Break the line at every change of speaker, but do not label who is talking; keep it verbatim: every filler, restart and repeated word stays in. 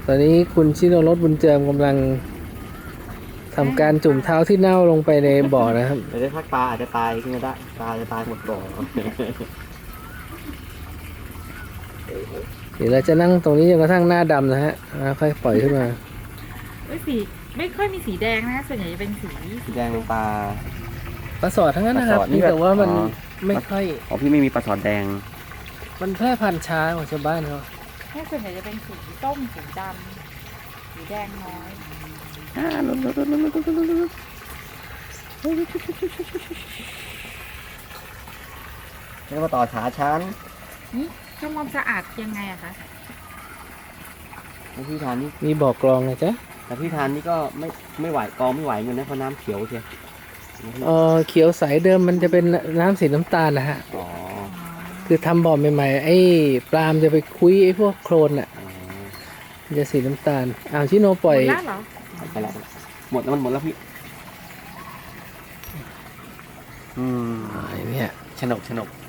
ตอนนี้คุณชิโนรสบุญเจิมกำลังทำการจุ่มเท้าที่เน่าลงไปในบ่อนะครับ
เดี๋ยวได้พักปลาอาจจะตายขึ้นมาได้ปลาจะตายหมดบ่อ
เดี๋ยวเราจะนั่งตรงนี้จนกระทั่งหน้าดำนะฮะแล้วค่อยปล่อยขึ้นมา
เอ้ยสีไม่ค่อยมีสีแดงนะส่วนใหญ่จะเป็นสี
สีแดงเป็นปลา
ปลาสอดทั้งนั้นนะครับ
ปลาสอดนี่
นี่แต่ว่ามัน
อ๋อ
ไม่ค่อย
อ๋อพี่ไม่มีปลาสอดแดง
มันแพร่พันธุ์ช้ากว่าชาวบ้านเขา
แค่ส่วนใหญ่จะเป็นสีส้มสีดำสีแดงน้อย
แล้วมาต่อขาชั้น
นี่ทำความสะอาดยังไงอะคะ
แล้วพี่ทานนี่
มีบ่อกรองนะจ๊ะ
แต่พี่ทานนี่ก็ไม่ไม่ไหวกองไม่ไหวเงินนะเพราะน้ำเขียวเชียว
เออเขียวใสเดิมมันจะเป็นน้ำสีน้ำตาลนะฮะ
อ๋อ
คือทำบ่อใหม่ๆไอ้ปลามจะไปคุยไอ้พวกโคลนอ่ะ
อ๋อ
มันจะสีน้ำตาลอ้าวชิโนป
หม
ล่อย
ดแล้วเหรอ
ไปแล้วหมดแล้วมันหมดแล้วพี่อืม
ไอ้เนี่ย
ฉนกฉนก